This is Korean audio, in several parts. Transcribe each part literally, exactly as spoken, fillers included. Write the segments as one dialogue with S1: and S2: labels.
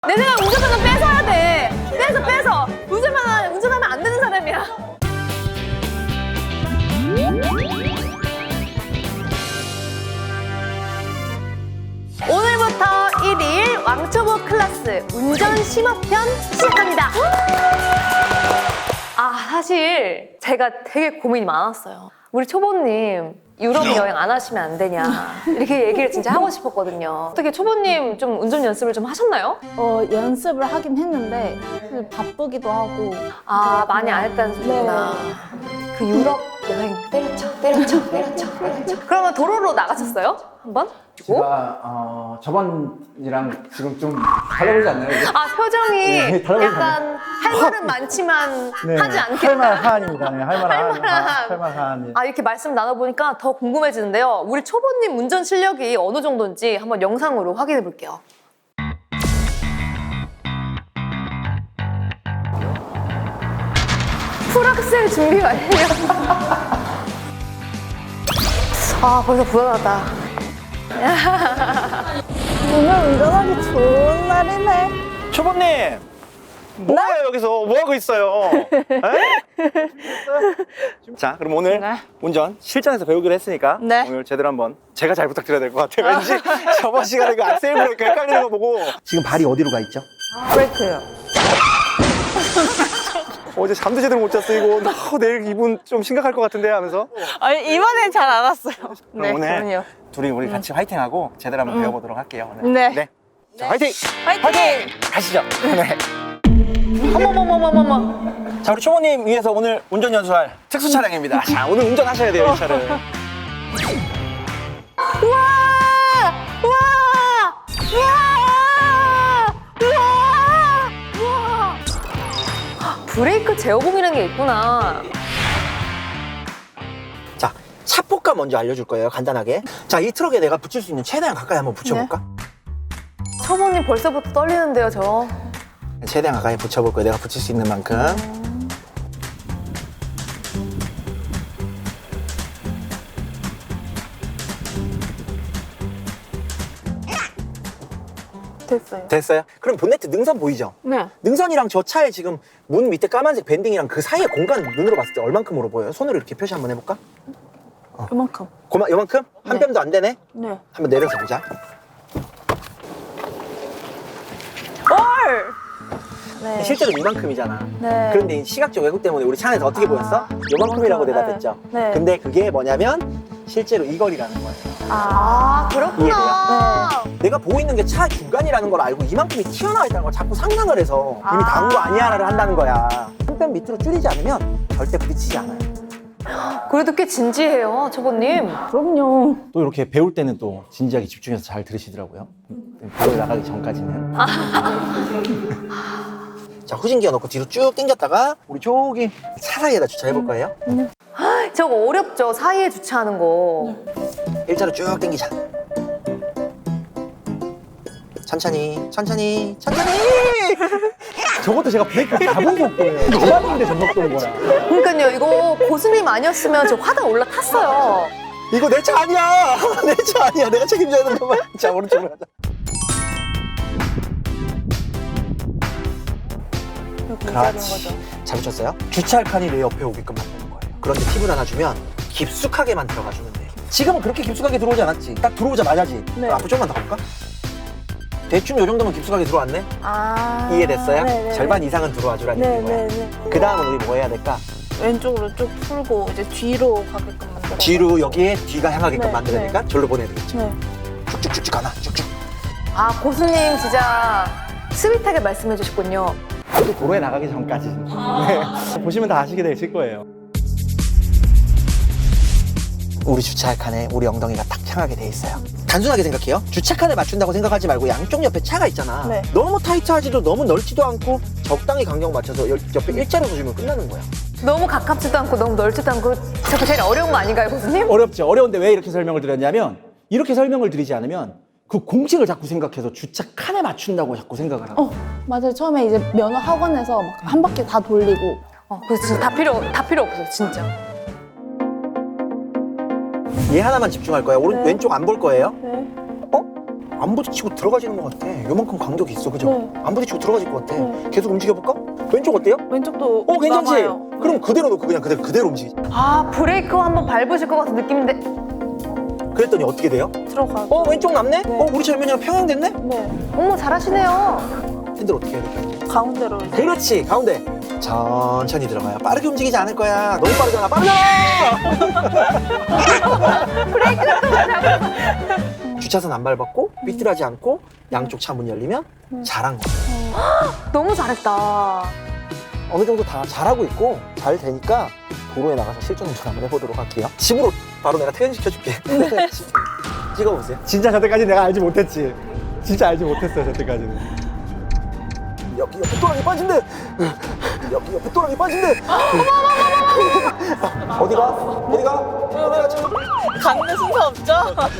S1: 내 생각에 운전면허 뺏어야 돼. 뺏어 뺏어. 운전면허 운전하면 안 되는 사람이야. 오늘부터 일 일 왕초보 클래스 운전 심화편 시작합니다. 아 사실 제가 되게 고민이 많았어요. 우리 초보님 유럽 여행 안 하시면 안 되냐 이렇게 얘기를 진짜 하고 싶었거든요. 어떻게 초보님 좀 운전 연습을 좀 하셨나요?
S2: 어, 연습을 하긴 했는데 사실 바쁘기도 하고.
S1: 아 많이 안 했다는 소리구나. 그 유럽 여행 때려쳐 때려쳐 때려쳐 때려쳐. 그러면 도로로 나가셨어요? 한번?
S3: 제가 어, 저번이랑 지금 좀 달라보지 않나요? 이게?
S1: 아 표정이
S3: 네, 달라보지
S1: 약간 할 말은 많지만 하지 않겠다.
S3: 할만한입니다. 네, 할만한.
S1: 할만한.
S3: 할만한.
S1: 아 이렇게 말씀 나눠보니까 더 궁금해지는데요. 우리 초보님 운전 실력이 어느 정도인지 한번 영상으로 확인해 볼게요. 풀악셀 준비 완료. 아 벌써 불안하다.
S2: 오늘 운전하기 좋은 날이네.
S4: 초보님! 뭐예요 여기서? 뭐하고 있어요? 에? 자 그럼 오늘
S2: 네.
S4: 운전 실전에서 배우기로 했으니까
S2: 네.
S4: 오늘 제대로 한번 제가 잘 부탁드려야 될 것 같아요. 왠지 저번 시간에 그 악셀 브레이크 헷갈리는 거 보고 지금 발이 어디로 가 있죠?
S2: 브레이크요.
S4: 어제 잠도 제대로 못 잤어 이거. 어, 내일 기분 좀 심각할 것 같은데 하면서
S2: 아니, 이번엔 잘 안 왔어요.
S4: 그럼 오늘
S2: 그럼요.
S4: 둘이 우리 같이 화이팅하고 제대로 한번 배워보도록 할게요. 오늘.
S2: 네.
S4: 자 화이팅!
S2: 화이팅!
S4: 가시죠. 네.
S1: 어머머머머머머.
S4: 자 우리 초보님 위해서 오늘 운전 연수할 특수 차량입니다. 자 오늘 운전하셔야 돼요 이 차를.
S1: 우와! 우와! 우와! 우와! 우와! 브레이크 제어봉이라는 게 있구나.
S4: 자, 차폭감 먼저 알려줄 거예요, 간단하게. 자, 이 트럭에 내가 붙일 수 있는 최대한 가까이 한번 붙여볼까?
S1: 초보님 벌써부터 떨리는데요, 저.
S4: 최대한 가까이 붙여볼 거예요, 내가 붙일 수 있는 만큼.
S2: 됐어요.
S4: 됐어요? 그럼 본네트 능선 보이죠?
S2: 네.
S4: 능선이랑 저 차에 지금 문 밑에 까만색 밴딩이랑 그 사이의 공간 눈으로 봤을 때 얼만큼으로 보여요? 손으로 이렇게 표시 한번 해볼까?
S2: 그만큼.
S4: 고마, 요만큼? 한
S2: 네.
S4: 뼘도 안 되네?
S2: 네.
S4: 한번 내려서 보자.
S2: 헐! 네.
S4: 실제로 이만큼이잖아.
S2: 네.
S4: 그런데 이 시각적 왜곡 때문에 우리 차 안에서 어떻게
S2: 아,
S4: 보였어? 요만큼이라고
S2: 요만큼,
S4: 대답했죠?
S2: 네. 네.
S4: 근데 그게 뭐냐면 실제로 이 거리라는 거예요.
S1: 아, 그렇구나.
S4: 내가 보고 있는 게 차 중간이라는 걸 알고 이만큼이 튀어나와 있다는 걸 자꾸 상상을 해서 이미 닿은 거 아니야를 한다는 거야. 한 뼘 밑으로 줄이지 않으면 절대 부딪히지 않아요.
S1: 그래도 꽤 진지해요, 초보님.
S2: 그럼요.
S3: 또 이렇게 배울 때는 또 진지하게 집중해서 잘 들으시더라고요. 배우 나가기 전까지는.
S4: 자, 후진기어 넣고 뒤로 쭉 당겼다가 우리 저기 차 사이에다 주차해볼 거예요.
S1: 저거 어렵죠, 사이에 주차하는 거.
S4: 일자로 쭉 당기자. 천천히, 천천히, 천천히!
S3: 저것도 제가 브레이크 잡은 속도예요. 잡았는데 전 속도인 거야.
S1: 그러니까요, 이거 고수님 아니었으면 저 화단 올라탔어요.
S4: 이거 내 차 아니야! 내 차 아니야! 내가 책임져야 되는 거만. 자, 오른쪽으로 가자. 그렇지. 잘 붙였어요? 주차할 칸이 내 옆에 오게끔 만드는 거예요. 그런데 팁을 하나 주면 깊숙하게만 들어가 주면 돼요. 지금은 그렇게 깊숙하게 들어오지 않았지? 딱 들어오자마자지?
S2: 네.
S4: 앞으로 조금만 더 가볼까? 대충 요 정도면 깊숙하게 들어왔네?
S2: 아.
S4: 이해됐어요?
S2: 네네네.
S4: 절반 이상은 들어와주라는 얘기인 거야.
S2: 네네네.
S4: 그 다음은 우리 뭐 해야 될까?
S2: 왼쪽으로 쭉 풀고 이제 뒤로 가게끔 만들어.
S4: 뒤로 여기에 뒤가 향하게끔
S2: 네,
S4: 만들어야 되니까 절로 보내야 되겠죠.
S2: 네.
S4: 쭉쭉쭉쭉 가나? 쭉쭉.
S1: 아, 고수님 진짜 스윗하게 말씀해 주셨군요.
S3: 또 도로에 나가기 전까지. 네. 보시면 다 아시게 되실 거예요.
S4: 우리 주차할 칸에 우리 엉덩이가 딱 향하게 돼 있어요. 단순하게 생각해요. 주차칸을 맞춘다고 생각하지 말고 양쪽 옆에 차가 있잖아.
S2: 네.
S4: 너무 타이트하지도 너무 넓지도 않고 적당히 간격 맞춰서 여- 옆에 일자로 서주면 끝나는 거야.
S1: 너무 가깝지도 않고 너무 넓지도 않고 저거 제일 어려운 거 아닌가요, 고수님?
S3: 어렵죠. 어려운데 왜 이렇게 설명을 드렸냐면 이렇게 설명을 드리지 않으면 그 공식을 자꾸 생각해서 주차 칸에 맞춘다고 자꾸 생각을 하고.
S2: 어, 맞아요. 처음에 이제 면허 학원에서 막 한 바퀴 다 돌리고.
S1: 어, 그래서 진짜 다 필요, 다 필요 없어요, 진짜.
S4: 얘 하나만 집중할 거야. 오른
S2: 네.
S4: 왼쪽 안 볼 거예요.
S2: 네.
S4: 어? 안 부딪히고 들어가지는 것 같아. 요만큼 간격이 있어, 그죠?
S2: 네.
S4: 안 부딪히고 들어가질 것 같아.
S2: 네.
S4: 계속 움직여볼까? 왼쪽 어때요?
S2: 왼쪽도
S4: 어, 괜찮지?
S2: 남아요.
S4: 그럼 그대로 놓고 그냥 그대로, 그대로 움직이지.
S1: 아 브레이크 한번 밟으실 것 같은 느낌인데
S4: 그랬더니 어떻게 돼요?
S2: 들어가죠.
S4: 어, 왼쪽 남네?
S2: 네.
S4: 어, 우리 젊은이랑 평행됐네?
S2: 네.
S1: 어머 잘하시네요.
S4: 핸들 어떻게 해야 될까요?
S2: 가운데로 이제.
S4: 그렇지, 가운데. 천천히 들어가요. 빠르게 움직이지 않을 거야. 너무 빠르잖아. 빠르잖아! 주차선 안 밟았고, 삐뚤하지 않고, 양쪽 차 문 열리면 잘한 거야.
S1: 너무 잘했다.
S4: 어느 정도 다 잘하고 있고, 잘 되니까 도로에 나가서 실전 운전 한번 해보도록 할게요. 집으로 바로 내가 퇴근시켜줄게. 찍어보세요.
S3: 진짜 저때까지 내가 알지 못했지. 진짜 알지 못했어요, 저때까지는.
S4: 여기 옆에 또랑이 빠진대. 여기 옆에 또랑이 빠진대. 어디가? 어디가? 어디가? 참.
S2: 가는 순서 없죠?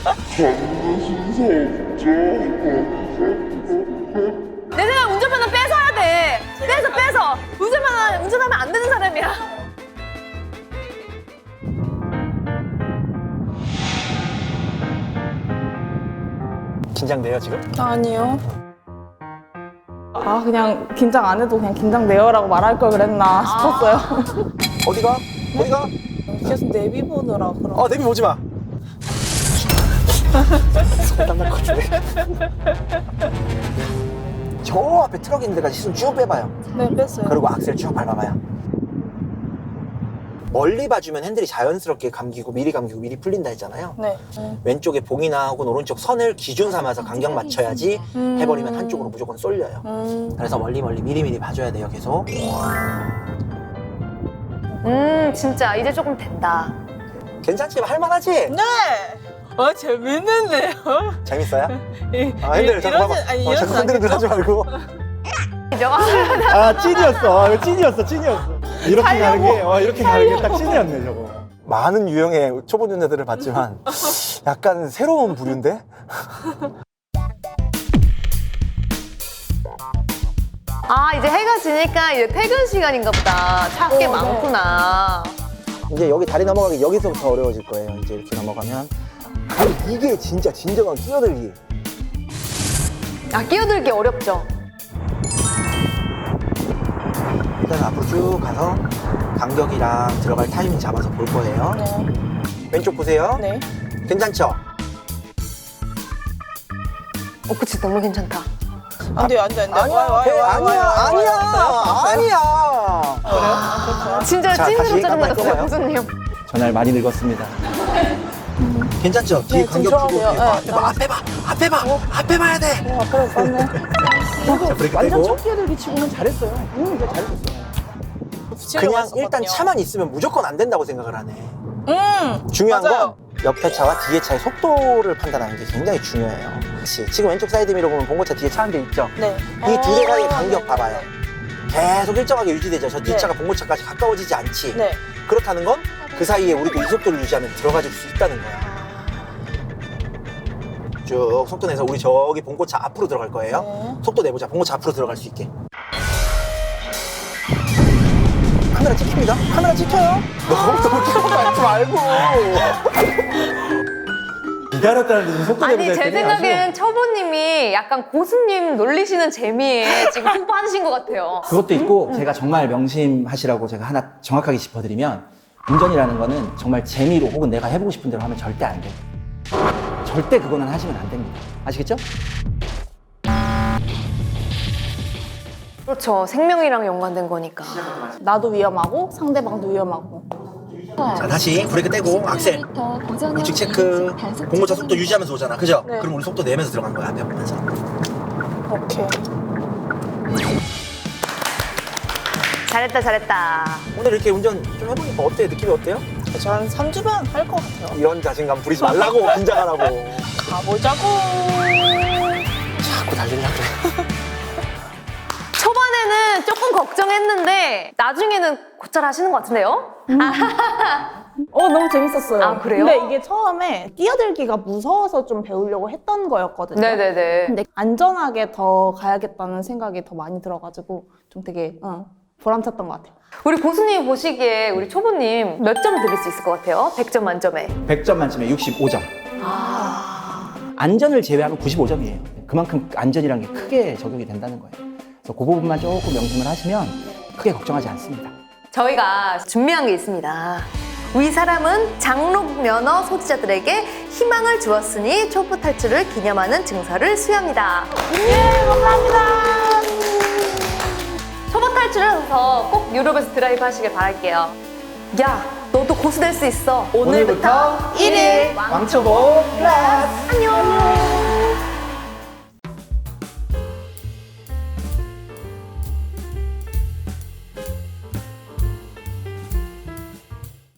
S1: 내 생각 운전면허 뺏어야 돼. 뺏어 뺏어. 운전면허 운전하면 안 되는 사람이야.
S4: 긴장돼요 지금?
S2: 아니요. 아 그냥 긴장 안 해도 그냥 긴장돼요라고 말할 걸 그랬나 싶었어요.
S4: 어디가? 어디가?
S2: 계속 내비 보느라 그런.
S4: 어 내비 보지 마. 손땀 날 것 같은데. 저 앞에 트럭 있는 데까지 시선 쭉 빼봐요.
S2: 네 뺐어요.
S4: 그리고 악셀 쭉 밟아봐요. 멀리 봐주면 핸들이 자연스럽게 감기고 미리 감기고 미리 풀린다 했잖아요.
S2: 네. 네.
S4: 왼쪽에 봉이나 혹은 오른쪽 선을 기준 삼아서 간격 맞춰야지
S2: 음.
S4: 해버리면 한쪽으로 무조건 쏠려요.
S2: 음.
S4: 그래서 멀리 멀리 미리 미리 봐줘야 돼요 계속.
S1: 음 진짜 이제 조금 된다.
S4: 괜찮지? 할만하지?
S2: 네. 아 재밌는데요?
S4: 재밌어요?
S2: 이-
S4: 아 핸들
S2: 이-
S4: 자꾸 봐봐.
S2: 이러진- 아니,
S4: 어,
S2: 이러진
S4: 자꾸 흔들흔들 하지 말고.
S1: 이죠?
S3: 아, 찐이었어. 아, 이거 찐이었어, 찐이었어. 이렇게 가는 게, 어, 이렇게 가는 게 딱 찐이었네, 저거.
S4: 많은 유형의 초보 연애들을 봤지만 약간 새로운 부류인데?
S1: 아 이제 해가 지니까 이제 퇴근 시간인가 보다. 차 꽤
S2: 어, 네.
S1: 많구나.
S4: 이제 여기 다리 넘어가기 여기서부터 어려워질 거예요. 이제 이렇게 넘어가면. 아니, 이게 진짜 진정한 끼어들기.
S1: 아 끼어들기 어렵죠.
S4: 일단 앞으로 쭉 가서 간격이랑 들어갈 타이밍 잡아서 볼 거예요.
S2: 네.
S4: 왼쪽 보세요.
S2: 네.
S4: 괜찮죠?
S1: 어 그치 너무 괜찮다.
S2: 안 돼요, 안 돼, 안 돼.
S4: 아니야, 배, 아니야, 아니야, 아니야.
S1: 아, 진짜
S4: 자,
S1: 찐으로
S4: 다시
S1: 짜증났어요
S4: 깜빡이
S1: 교수님.
S3: 전날 많이 늙었습니다.
S4: 괜찮죠? 뒤에
S2: 네,
S4: 간격
S2: 좀
S4: 주고
S2: 좋아하세요.
S4: 앞에 봐, 앞에 봐, 앞에 봐, 앞에 봐야 돼.
S2: 어, 앞으로 뺐네.
S4: 자, 브레이크
S3: 완전
S4: 떼고.
S3: 첫 끼어들기 치고는 잘했어요. 응, 진짜 잘했었어요.
S4: 그냥 일단 차만 있으면 무조건 안 된다고 생각을 하네.
S2: 음.
S4: 중요한
S2: 맞아요.
S4: 건 옆에 차와 뒤에 차의 속도를 판단하는 게 굉장히 중요해요. 그렇지. 지금 왼쪽 사이드 미러 보면 봉고차 뒤에 차 한 대 있죠?
S2: 네.
S4: 이 두 대 사이의
S2: 아,
S4: 간격
S2: 네,
S4: 봐봐요. 계속 일정하게 유지되죠. 저 뒷차가 봉고차까지 가까워지지 않지.
S2: 네.
S4: 그렇다는 건 그 사이에 우리도 이 속도를 유지하면 들어가질 수 있다는 거야. 쭉 속도 내서 우리 저기 봉고차 앞으로 들어갈 거예요.
S2: 네.
S4: 속도 내보자. 봉고차 앞으로 들어갈 수 있게. 카메라 찍힙니다. 카메라 찍혀요. 너무 너무 찍어가지 말고.
S3: 기다렸다는 듯이 속도
S1: 아니
S3: 내보자
S1: 제
S3: 했더니
S1: 생각엔 초보님이 약간 고수님 놀리시는 재미에 지금 푹 빠지신 것 같아요.
S3: 그것도 있고 제가 정말 명심하시라고 제가 하나 정확하게 짚어드리면 운전이라는 거는 정말 재미로 혹은 내가 해보고 싶은 대로 하면 절대 안 돼요. 절대 그거는 하시면 안 됩니다. 아시겠죠?
S1: 그렇죠. 생명이랑 연관된 거니까.
S2: 나도 위험하고 상대방도 위험하고.
S4: 자 다시 브레이크 떼고 악셀 우측 체크. 봉고차 속도 유지하면서 오잖아. 그죠?
S2: 네.
S4: 그럼 우리 속도 내면서 들어가는 거야. 앞에 보면서.
S2: 오케이.
S1: 잘했다 잘했다.
S4: 오늘 이렇게 운전 좀 해보니까 어때요? 느낌이 어때요?
S2: 저한 삼 주면 할 것 같아요.
S4: 이런 자신감 부리지 말라고. 긴장하라고.
S2: 가보자고.
S4: 자꾸 달리려고 그래.
S1: 초반에는 조금 걱정했는데 나중에는 곧잘 하시는 것 같은데요?
S2: 어 너무 재밌었어요.
S1: 아, 그래요?
S2: 근데 이게 처음에 뛰어들기가 무서워서 좀 배우려고 했던 거였거든요.
S1: 네네네.
S2: 근데 안전하게 더 가야겠다는 생각이 더 많이 들어가지고 좀 되게 어, 보람찼던 것 같아요.
S1: 우리 고수님이 보시기에 우리 초보님 몇 점 드릴 수 있을 것 같아요? 백 점 만점에.
S3: 백 점 만점에 육십오 점. 안전을 제외하면 구십오 점이에요. 그만큼 안전이라는 게 크게 적용이 된다는 거예요. 그래서 그 부분만 조금 명심을 하시면 크게 걱정하지 않습니다.
S1: 저희가 준비한 게 있습니다. 위 사람은 장록 면허 소지자들에게 희망을 주었으니 촛불 탈출을 기념하는 증서를 수여합니다. 예, 감사합니다. 초보 탈출해서 꼭 유럽에서 드라이브 하시길 바랄게요. 야, 너도 고수 될 수 있어. 오늘부터 일 일
S3: 왕초보 클래스!
S1: 안녕.